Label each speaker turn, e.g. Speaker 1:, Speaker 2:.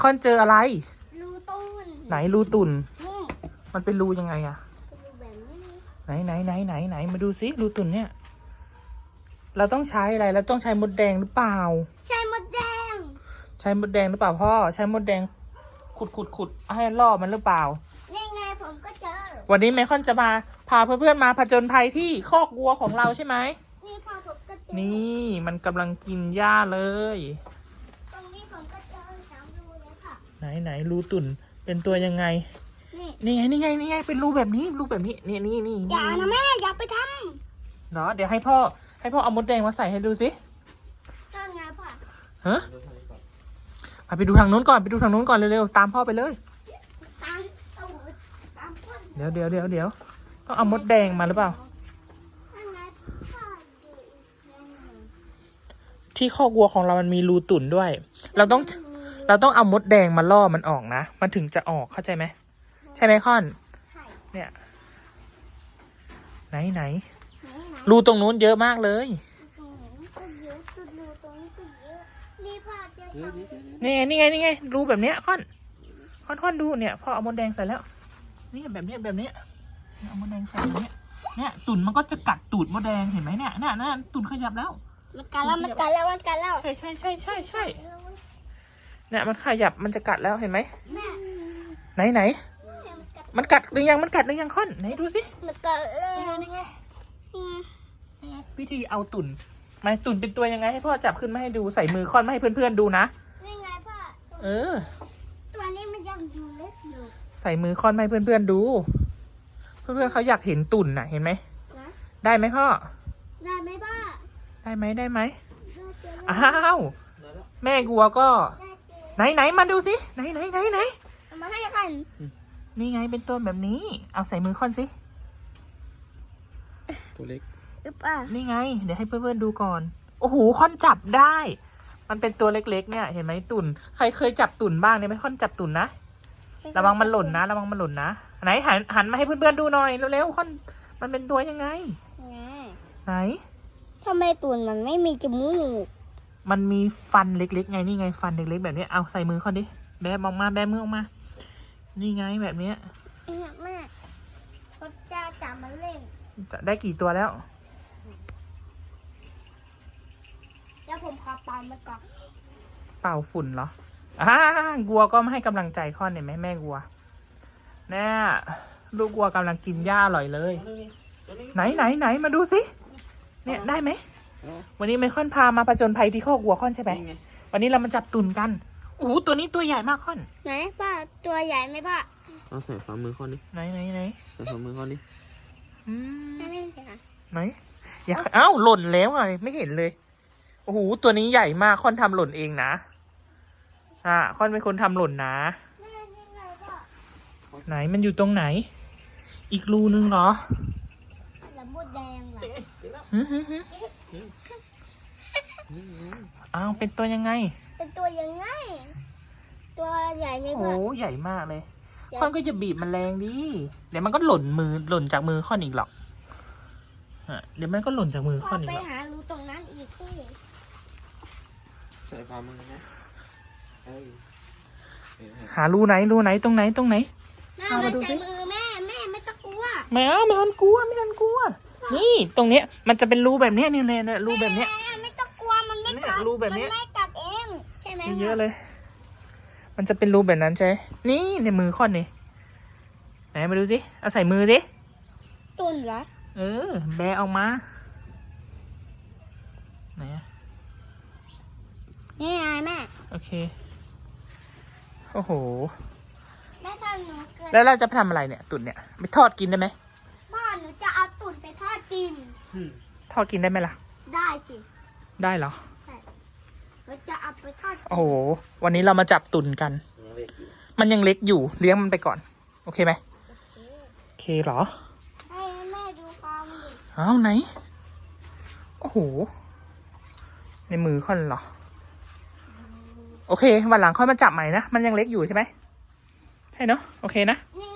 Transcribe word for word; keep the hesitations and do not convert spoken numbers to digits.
Speaker 1: ค่อนเจออะไร
Speaker 2: รูตุน
Speaker 1: ไหนรูตุ่น
Speaker 2: นี่
Speaker 1: มันเป็นรูยังไงอะ
Speaker 2: รูแบบนี้
Speaker 1: ไหนไหนไหนไหนไหนมาดูซิรูตุ่นเนี่ยเราต้องใช้อะไรเราต้องใช้มดแดงหรือเปล่า
Speaker 2: ใช่มดแดง
Speaker 1: ใช้มดแดงหรือเปล่าพ่อใช้มดแดงขุดขุดขุดให้ล่อมันหรือเปล่า
Speaker 2: นี่ไงผมก็เจอ
Speaker 1: วันนี้ไมคอนจะมาพาเพื่อนๆมาผจญภัยที่คอกวัวของเราใช่ไหม
Speaker 2: นี่พอผมก็เจอ
Speaker 1: นี่มันกำลังกินหญ้าเลย
Speaker 2: ตรงนี้ผมก็เจอสามรูเลยค่ะ
Speaker 1: ไหนไหนรูตุ่นเป็นตัวยังไงนี่ไงนี่ไงนี่ไงเป็นรูแบบนี้รูแบบนี้นี่นี่นี่
Speaker 2: อย่านะแม่อย่าไปท
Speaker 1: ำเนาะเดี๋ยวให้พ่อให้พ่อเอามดแดงมาใส่ให้ดูสิ
Speaker 2: ำนั่นไงพ่อ
Speaker 1: ฮะไปดูทางนู้นก่อนไปดูทางนู้นก่อนเร็วๆตามพ่อไปเลย
Speaker 2: ตามตูดตามพ่น
Speaker 1: เดี๋ยวเดี๋ยวเดี๋ยวเดี๋ยวต้องเอามดแดงมาหรือเปล่า
Speaker 2: นั่นไงพ่ออยู่อีกแรงหนึ่ง
Speaker 1: ที่คอกวัวของเรามันมีรูตุ่นด้วยเราต้องเราต้องเอามดแดงมาล่อมันออกนะมันถึงจะออกเข้าใจไหมใช่ไหมค่อนเนี่ยไหนไหนรูตรงนู้นเยอะมากเลยนี่ไงนี่ไงนี่ไงรูแบบเนี้ยค่อนค่อนค่อนดูเนี่ยพอเอามดแดงใส่แล้วนี่แบบเนี้ยแบบเนี้ยเอามดแดงใส่แบบเนี้ยเนี่ยตุ่นมันก็จะกัดตูดมดแดงเห็นไหมเนี่ยน่ะน่ะตุ่นขยับแล้ว
Speaker 2: มันกัดแล้วมันกัดแล้วมันกัดแล้ว
Speaker 1: ใช่ใช่ใช่ใช่ใช่เนี่ยมันขยับมันจะกัดแล้วเห็นไหมไหนไหนมันกัดหรือยังมันกัดหรือยังค่อนไหนดูสิ
Speaker 2: มันกัดเลย
Speaker 1: นี่ไงวิธีเอาตุ่นมาตุ่นเป็นตัวยังไงให้พ่อจับขึ้นมาให้ดูใส่มือค่อนมาให้เพื่อนๆดูนะ
Speaker 2: นี่ไงพ่อ
Speaker 1: เออ
Speaker 2: ตัวนี้มันยังอยู่เล็กอยู่
Speaker 1: ใส่มือค่อนมาให้เพื่อนๆดูเพื่อนๆเขาอยากเห็นตุ่นน่ะเห็นไหมได้ไหมพ่อ
Speaker 2: ได้ไหมพ่อ
Speaker 1: ได้ไหมได้ไหมอ้าวแม่กัวก็ไหนไหนมาดูสิไหนไหนไหนไหน
Speaker 2: มาให้กัน
Speaker 1: นี่ไงเป็นตัวแบบนี้เอาใส่มือค่อนสิ
Speaker 3: ตัวเล็ก
Speaker 1: นี่ไงเดี๋ยวให้เพื่อนๆดูก่อนโอ้โหค่อนจับได้ มันเป็นตัวเล็กๆเนี่ยเห็นไหมตุ่นใครเคยจับตุ่นบ้างเนี่ยไม่ค่อนจับตุ่นนะระวังมันหล่นนะระวังมันหล่นนะไหนหันหันมาให้เพื่อนๆดูหน่อยเร็วๆค่อนมันเป็นตัวยังไงไหน
Speaker 2: ทำไมตุ่นมันไม่มีจมูก
Speaker 1: มันมีฟันเล็กๆไงนี่ไงฟันเล็กๆแบบนี้เอาใส่มือค่อนดิแบมออกมาแบมือออกมานี่ไงแบบเนี้ย
Speaker 2: แม่พ่อจะจับมันเล่น
Speaker 1: จะได้กี่ตัวแล้ว
Speaker 2: เดี๋ยวผมขอเป่ามันก่อน
Speaker 1: เป่าฝุ่นเหรออ่ากัวก็ไม่ให้กำลังใจค่อนเห็นไหมแม่กัวแน่ลูกกัวกำลังกินหญ้าอร่อยเลยไหนไหนไหนมาดูสิเนี่ยได้ไหมวันนี้ไมคอนพามาผจญภัยที่คอกวัวค่อนใช่ไหมวันนี้เรามาจับตุ่นกันโอ้โหตัวนี้ตัวใหญ่มากค่อน
Speaker 2: ไหนป้าตัวใหญ่ไหมป้า
Speaker 3: เอาใส่ฝ่ามือค่อนดิ
Speaker 1: ไหนไหนไหน
Speaker 3: ใส่ฝ่ามือค่อนดิ
Speaker 2: ไม่ไม่เห็น
Speaker 1: ไหนอย่าเอ้าหล่นแล้วไงไม่เห็นเลยโอ้โหตัวนี้ใหญ่มากค่อนทำหล่นเองนะอ่าค่อนเป็นคนทำหล่นนะไหนมันอยู่ตรงไหนอีกรูนึงเหรอ
Speaker 2: แล้วมดแดงเหรอ
Speaker 1: อ้าวเป็นตัวยังไง
Speaker 2: เป็นตัวยังไงตัวใหญ่ไหมพ่อ
Speaker 1: โอ้ใหญ่มากเลยค่อนก็จะบีบมันแรงดิเดี๋ยวมันก็หล่นมือหล่นจากมือค่อนอีกหรอกเดี๋ยวมันก็หล่นจากมือค่อนอีก
Speaker 2: ไปหารูตรงนั้นอีกสิ
Speaker 3: ใส่ฝ่ามือนะ
Speaker 1: หารูไหนรูไหนตรงไหนตรงไหน
Speaker 2: เอามาดูสิมือแม่แม่ไม่ต้องกลัว
Speaker 1: ไม่เอาไม่ต้องกลัวไม่ต้องกลัวนี่ตรงเนี้ยมันจะเป็นรูแบบเนี้ยนี่เนี่ยรูแบบเนี้ย
Speaker 2: ไม่ต้องกลัวมันไม่กัด
Speaker 1: รูแบบนี้
Speaker 2: มันไม่กัดเองใช่ไหม
Speaker 1: เยอะเลยมันจะเป็นรูแบบนั้นใช่นี่ในมือค่อนนี่ไหนมาดูสิเอาใส่มือสิ
Speaker 2: ตุ่นเหรอ
Speaker 1: เออแบะออกมาไหน
Speaker 2: นี่ไงแม่
Speaker 1: โอเคโอ้โห
Speaker 2: แม่ทำหนูเกิด
Speaker 1: แล้วเราจะไปทำอะไรเนี่ยตุ่นเนี่ยไปทอดกินได้ไหม
Speaker 2: บ้านหนูจะเอาตุ่นไปทอดกิน
Speaker 1: ทอดกินได้ไหมล่ะ
Speaker 2: ได้สิ
Speaker 1: ได้เหรอ
Speaker 2: ใช่เราจะเอาไปทอด
Speaker 1: โอ้โหวันนี้เรามาจับตุ่นกันมันยังเล็กอยู่เลี้ยงมันไปก่อนโอเคไหมโอเคเหรอ
Speaker 2: ให้แม่ดูความดิ
Speaker 1: เอาไหนโอ้โหในมือค่อนเหรอโอเควันหลังค่อยมาจับใหม่นะมันยังเล็กอยู่ใช่ไหมใช่เนาะโอเคนะ
Speaker 2: นี่